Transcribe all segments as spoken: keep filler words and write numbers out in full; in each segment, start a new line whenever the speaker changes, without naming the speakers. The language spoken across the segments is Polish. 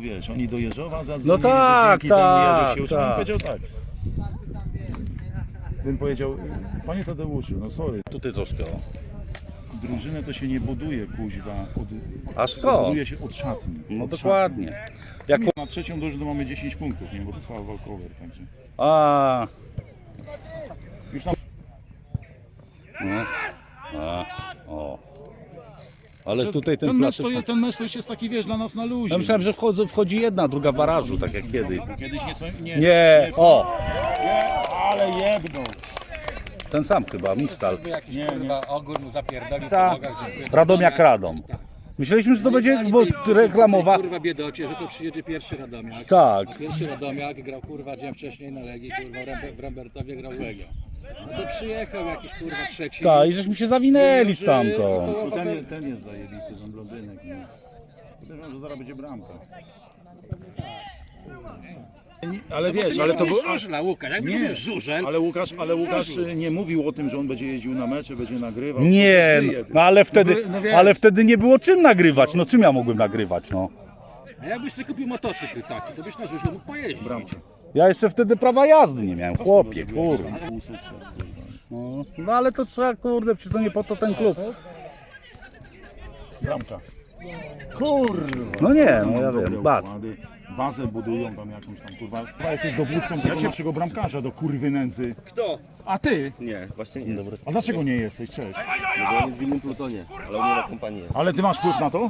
Wiesz, oni do Jeżowa zadzwonili,
No tak,
że dzięki
tak,
temu Jeżów się uczył.
tak.
Bym powiedział tak. Bym powiedział, panie Tadeuszu, no sorry,
Tutaj troszkę. O.
drużynę to się nie buduje, kuźwa, od,
A skąd?
buduje się od szatni.
No
od
dokładnie.
Szatni.
Jak...
Na trzecią drużynę mamy dziesięć punktów, nie, bo dostała walkover, także.
A,
Już tam...
no. A, o. Ale tutaj ten,
ten, mecz
placek...
to jest, ten mecz to już jest taki, wiesz, dla nas na luzie.
Ja myślałem, że wchodzą, wchodzi jedna, druga w barażu, tak jak kiedyś.
Kiedyś nie są... Nie,
Nie, o!
nie, ale jebną.
Ten sam chyba, Mistal.
Jakiś
Nie,
kurwa ogór mu zapierdolił
Ca-
po nogach, dziękuję.
Radomiak Radom. Myśleliśmy, że to będzie
Ani
bo
tej-
reklamowa.
tej, Kurwa biedocie, że to przyjedzie pierwszy Radomiak.
Tak.
Pierwszy Radomiak grał kurwa dzień wcześniej na Legii, kurwa w Rembe- w Rembertowie grał w Legio. No to przyjechał jakiś kurwa trzeci.
Tak, i żeśmy się zawinęli stamtąd.
No ten, jest- ten jest zajebisty, ten blondynek. Nie? Podejrzewam, że zaraz będzie bramka. Nie, ale wiesz, ale to był...
Żużla, Łukasz, jakby to
Nie,
był żużel.
ale Łukasz, ale Łukasz nie mówił o tym, że on będzie jeździł na mecze, będzie nagrywał.
Nie,
To żyje.
no ale wtedy,
No wiesz.
ale wtedy nie było czym nagrywać. No czym ja mogłem nagrywać, no?
A jakbyś sobie kupił motocykl taki, to byś na żużlu mógł pojeździć.
Bramka.
Ja jeszcze wtedy prawa jazdy nie miałem, chłopie,
Był
kurwa.
sukces, kurwa.
No, no ale to trzeba, kurde, przecież to nie po to ten klub.
Bramka. Kurwa.
No nie, no ja
Dobre
wiem, bat.
układy. Bazę budują tam jakąś tam, kurwa. Chyba jesteś dowódcą tego naszego bramkarza do kurwy nędzy.
Kto?
A ty?
Nie, właśnie nie.
Dobry.
A dlaczego nie jesteś? Cześć.
No bo on jest w innym plutonie, ale u mnie na kompanii jest.
Ale ty masz wpływ na to?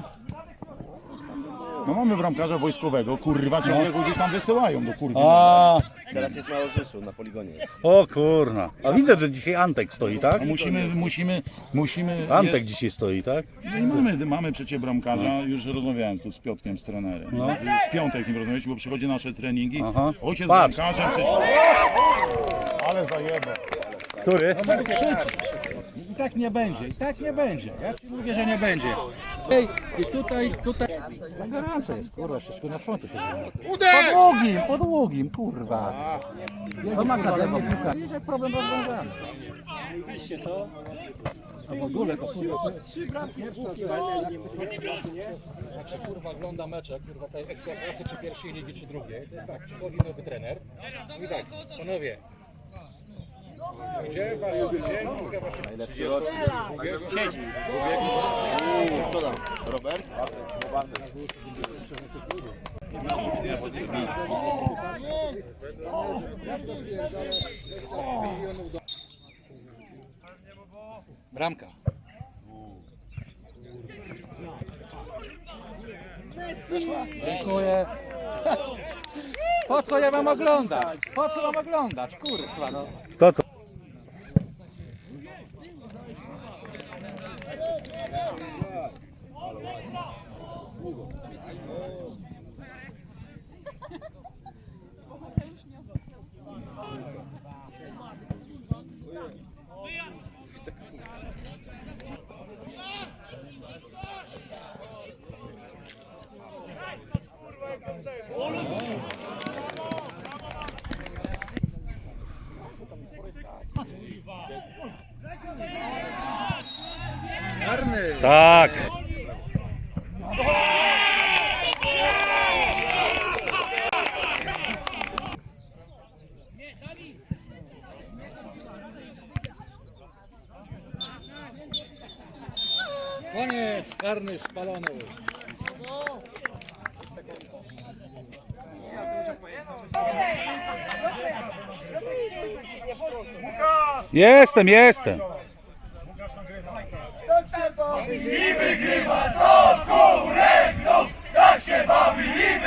No mamy bramkarza wojskowego, kurwa, ciągle go gdzieś tam wysyłają do kurwy.
A,
Teraz jest na Orzyszu, na poligonie jest.
o kurna. A widzę, że dzisiaj Antek stoi, tak?
A musimy, musimy, musimy...
Antek
jest-
dzisiaj stoi, tak?
No i mamy, mamy przecież bramkarza, już rozmawiałem tu z Piotkiem, z trenerem.
No.
W piątek z nim rozmawialiśmy, bo przychodzi na nasze treningi.
Aha.
Ojciec
Patrz.
bramkarzem przecież... Ale zajebę.
Który?
I tak nie będzie, i tak nie będzie. Ja ci mówię, że nie będzie. Ej, i tutaj, tutaj. No gorąco jest, kurwa, wszystko na słońcu się dzieje. Po długim, po długim, kurwa. To ma na lewo, piłka. I ten problem rozwiązany. A w ogóle to kurwa. Jak się kurwa ogląda mecze, kurwa tej ekstraklasy czy pierwszej ligi czy drugiej, to jest tak, przychodzi nowy trener. I tak, panowie. Gdzie wasze, gdzie?
Najlepszy rocznik. Siedzi. Kto tam? Robert?
Bramka. Dziękuję. Po co ja mam oglądać? Po co mam oglądać? Kurwa no.
Kto to? Tak.
Koniec, karny spalony.
Jestem, jestem.
I wygrywa z oką ręką, tak się bawi i